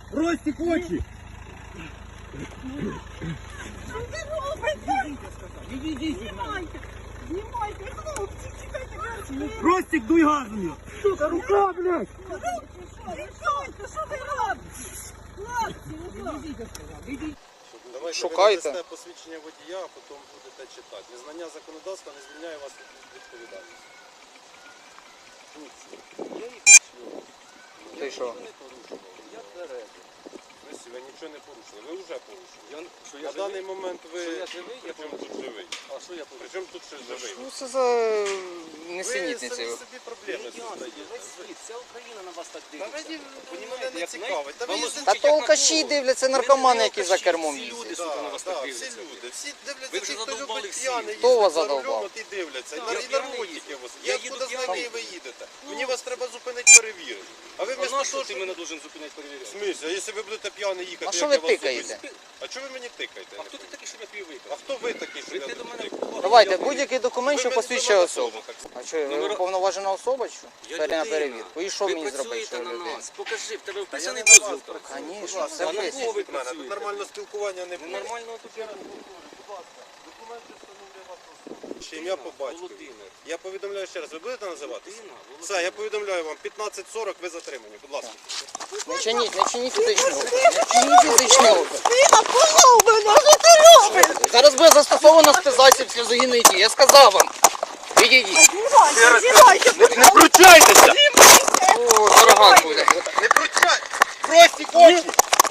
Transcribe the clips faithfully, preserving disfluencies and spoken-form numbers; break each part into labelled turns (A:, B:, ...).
A: Ростик, очі!
B: Що ви робите?
A: Відійдіть!
B: Знімайте! Знімайте, хлопці, чекайте, мерзкі!
A: Ростик, дуй газом! Сука, рука, блядь!
B: Відійдьте, що ви робите? Хлопці,
A: Відійдіть!
C: Давайте
D: Шукайте.
C: ви надасте посвідчення водія, а потім будете читати. Незнання законодавства не звільняє вас від відповідальності. Я їх чую.
D: Ти
C: Я
D: що?
C: нічого не порушував. Я тверезий. Ви нічого не порушили. Ви вже порушили.
E: Я, що я
C: На
E: живий?
C: даний момент ви...
E: Що я живий? Я
C: Причому тут живий?
E: А що я порушив?
C: Причому тут ще живий?
D: Ну це за
C: Ви
D: несенітниці.
C: самі собі проблеми
E: Ясно,
C: создаєте.
E: весь світ, вся Україна на вас так
C: Та
E: дивиться.
C: мені
E: Понімаєте,
C: мене не
E: як
C: цікавить. Та ви
E: Вам
C: їздите
D: Та
E: озвучить,
D: то
E: як
D: алкаші
E: на кого.
D: дивляться,
E: Ви
D: наркомани,
E: не
D: які за
E: алкаші,
D: кермом
E: всі люди,
D: їздять.
E: сука, на вас так
C: всі
E: дивляться.
C: люди, всі
E: Ви
C: дивляться,
E: вже
C: ті, хто
E: задовбали
C: любить
E: всі.
C: п'яний,
D: Хто вас
C: їздить за
D: задовбав?
C: рулем, от і дивляться. І
E: Так,
C: на-
E: я
C: і
E: п'яний
C: наркотики
E: їду.
C: вас.
E: Я
C: Я
E: їду
C: откуда знаю,
E: п'яний.
C: де ви їдете? Мені вас треба зупинити, перевірити. А ви
E: А
C: вместо
E: на
C: того,
E: що ти
C: що...
E: мене должен зупиняти
C: В
E: перевіряти?
C: смысле? А якщо ви будете п'яний їхати,
D: А
C: як
D: що
C: я
D: ви
C: вас
D: тикаєте?
C: зупиню? А чого ви мені тикаєте?
E: А хто ти такий, щоб я пів
C: А
E: випив?
C: хто ви такий, що я
E: Прийти до
C: тут
E: мене
C: тикаю?
E: в кулак.
D: Давайте,
E: Я
D: будь-який документ,
C: Ви
D: що
C: мене
D: посвідчує
C: на
D: особу.
C: особу, так
D: А що, ви
E: Номера-
D: уповноважена особа, що?
E: Я
D: Перед на
E: людина.
D: перевірку. І що
E: Ви
D: мені зробити,
E: працюєте
D: що
E: на
D: людина?
E: нас. Покажи, в тебе
C: я
E: вписаний
C: не на
E: дозвіл.
C: вас працюю.
D: Конечно,
C: Будь ласка,
D: це
C: не
D: ви.
C: лізьте
E: ви
C: від мене, тут
E: працюєте?
C: нормального спілкування не
E: Ну
C: буде.
E: нормального тут я
C: Будь ласка, документи встановлює вас особу. Ще ім'я по батькові.
E: Володимир.
C: Я повідомляю ще раз, ви будете називатися?
E: Дина, Володимир.
C: Все, я повідомляю вам, п'ятнадцять сорок ви затримані, будь ласка.
D: Не чиніть, не чиніть фізичного. Не чиніть фізичного.
B: Сина, полов мене, що ти робиш?
D: Зараз буде застосовано спецзасіб сльозогінної дії. Я сказав вам. Відійдіть.
B: Знімайте, знімайте,
C: Не вручайтеся!
D: О, дорога буде.
C: Не вручайте! Прості очі!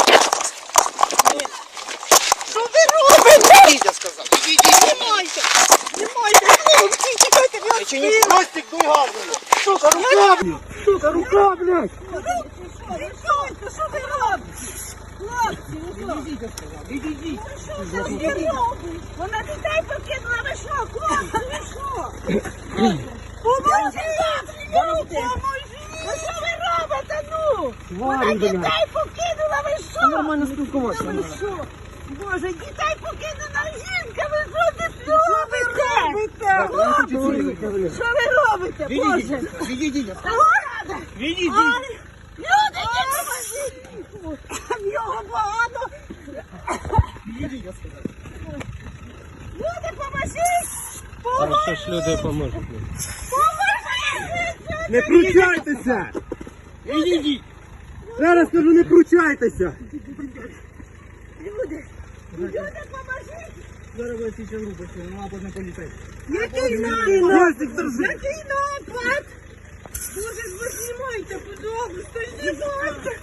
B: що ви робите?
D: Відійдіть, я сказав. Відійдіть.
B: Знімайте, знімайте, хлопці, чекайте,
D: Не чиніть.
B: мерзкі!
C: Простік, дуй газом!
A: Сука, рука, блядь! Сука, рука, блядь!
B: Відійдьте, що ви робите? Хлопці, ви що?
A: Відійдіть!
B: Що це ви робите? Вона дітей покинула, ви що, хлопці, ви що? Поможіть! Ну, поможіть! Ви що ви робите, ну? Вона
A: Тварі, блядь!
B: дітей покинула, ви що?
A: Нормально спілкуватися
B: Ви
A: треба.
B: що? Боже, дітей покинула жінка, ви що тут робите? Хлопці, що ви робите, Боже?
A: Відійдіть!
B: Ладно.
A: Відійдіть!
B: Ай, люди, допоможіть! В нього багато!
A: Відійдіть, я сказав.
B: Люди, поможіть!
A: Хорошо ж люди поможуть.
B: Поможіть!
A: Не пручайтеся! Відійдіть! Зараз кажу, не пручайтеся!
B: Люди, люди, поможіть!
A: Зараз буде січа група, що вона буде на поліцейську.
B: Який напад?
A: Ростик, держи!
B: Який напад? Боже, ви знімайте, пожалуйста, знімайте!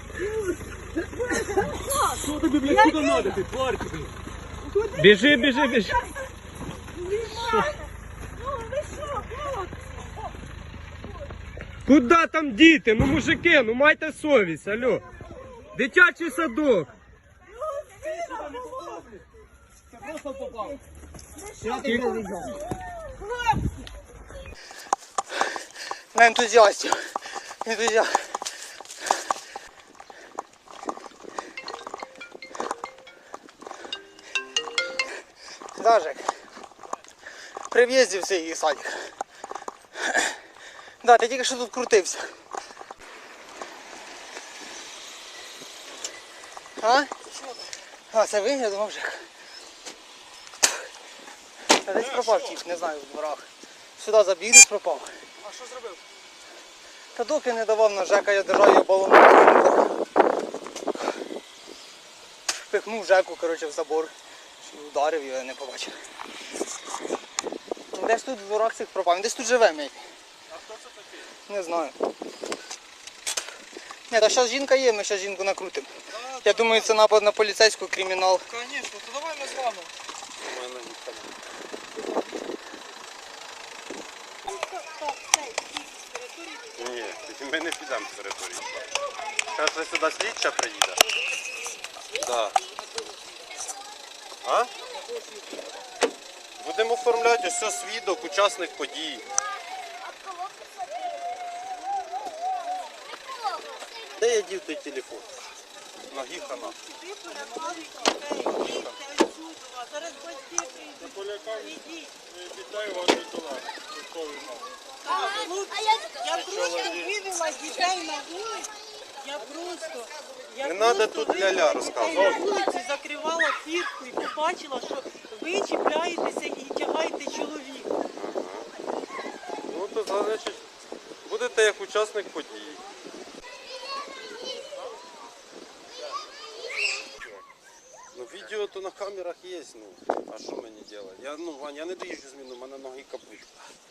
A: Що тобі, блядь, куди надо, ти, тварь, блядь? Біжи, біжи, біжи!
B: Знімайте! Ну, ви що, хлопці?
A: Куда там діти? Ну, мужики, ну майте совість, алло! Дитячий садок!
B: Ну, сина, було!
A: Це просто попав.
B: Хлопці!
D: На ентузіастів. Ентузіаст. Дажик. При в'їзді в цей садик. Да, ти тільки що тут крутився. А? А, це ви? Я думав, Жек. Та десь пропав тіп, не знаю, в дворах. Сюди забіг, десь пропав.
E: А що зробив?
D: Та доки не давав на Жека, я держав його балоном. Пихнув Жеку, коротше, в забор. І ударив його, я не побачив. Десь тут в дворах цих пропав. Він десь тут живе, мій.
E: А хто це такий?
D: Не знаю. Ні, та зараз жінка є, ми зараз жінку накрутимо. Я думаю, це напад на поліцейську, кримінал.
E: Звісно, то давай ми з вами.
C: У мене ніхто не- Ні, ми не підемо з території. Зараз же сюди слідча приїде. Да. А? Будемо оформляти ось все свідок, учасник подій. Де я дів той телефон? Ноги хана.
B: Зараз батьки прийдуть.
C: Вітаю вас, Ніколай.
B: Я просто видела дітей на вулиці. Я просто Я
C: Не треба
B: просто
C: тут ля-ля
B: вийшла
C: розказувати.
B: на вулицю, закривала фіртку і побачила, що ви чіпляєтеся і тягаєте чоловіка.
C: Ну то значить, будете як учасник події. Ну відео то на камерах є, ну. А що мені робити? Я, ну, Вань, я не доїжджу зміну, у мене ноги капут.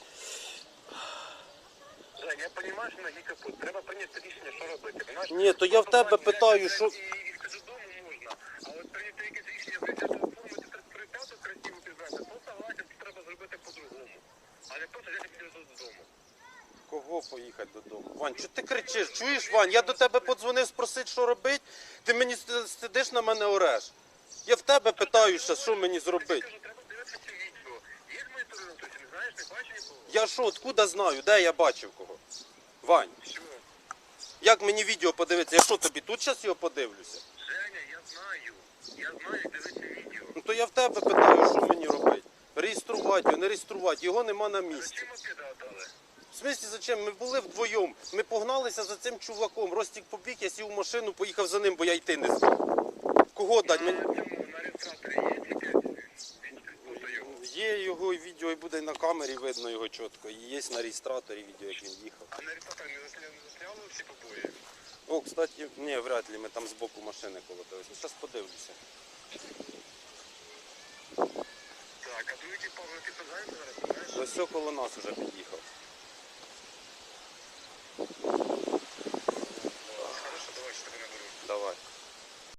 F: Жень, я розумію, що ноги капут. Треба прийняти рішення, що робити. Понимаєш?
C: Ні, то я в тебе питаю, що...
F: І їхати додому можна, а от прийняти якесь рішення, зайти до оформити тридцять п'яту красиву пізнати, то согласен, це треба зробити по-другому. А не просто взяти підійти додому.
C: Кого поїхати додому? Вань, що ти кричиш? Чуєш, Вань, я до тебе подзвонив спросити, що робити, ти мені с- сидиш на мене ореш. Я в тебе питаю ще, що мені зробити.
F: Кажу, треба дивитися це відео. Є ж моніторинг, то не знаєш, не бачиш нікого?
C: Я що, откуда знаю, де я бачив кого? Вань,
F: Що?
C: як мені відео подивитися? Я що, тобі тут зараз його подивлюся?
F: Женя, я знаю. Я знаю, дивися відео.
C: Ну то я в тебе питаю, що мені робити? Реєструвати його, не реєструвати, його нема на місці.
F: Зачем мопеда отдали?
C: В смислі, зачем? Ми були вдвоєм, ми погналися за цим чуваком. Ростік побіг, я сів у машину, поїхав за ним, бо я йти не зміг. Кого дати?
F: На
C: Мені...
F: цьому, на реєстраторі є тільки фото його?
C: Є його і відео, і буде на камері видно його чітко. І є на реєстраторі відео, як він їхав.
F: А на реєстраторі не засля- не засняли всі побої?
C: О, кстати, ні, вряд ли, ми там збоку машини колотились. Ну, зараз подивлюся.
F: Так, а другий типа, ви підпадаєте зараз, знаєш?
C: Ось все коло нас вже під'їхав.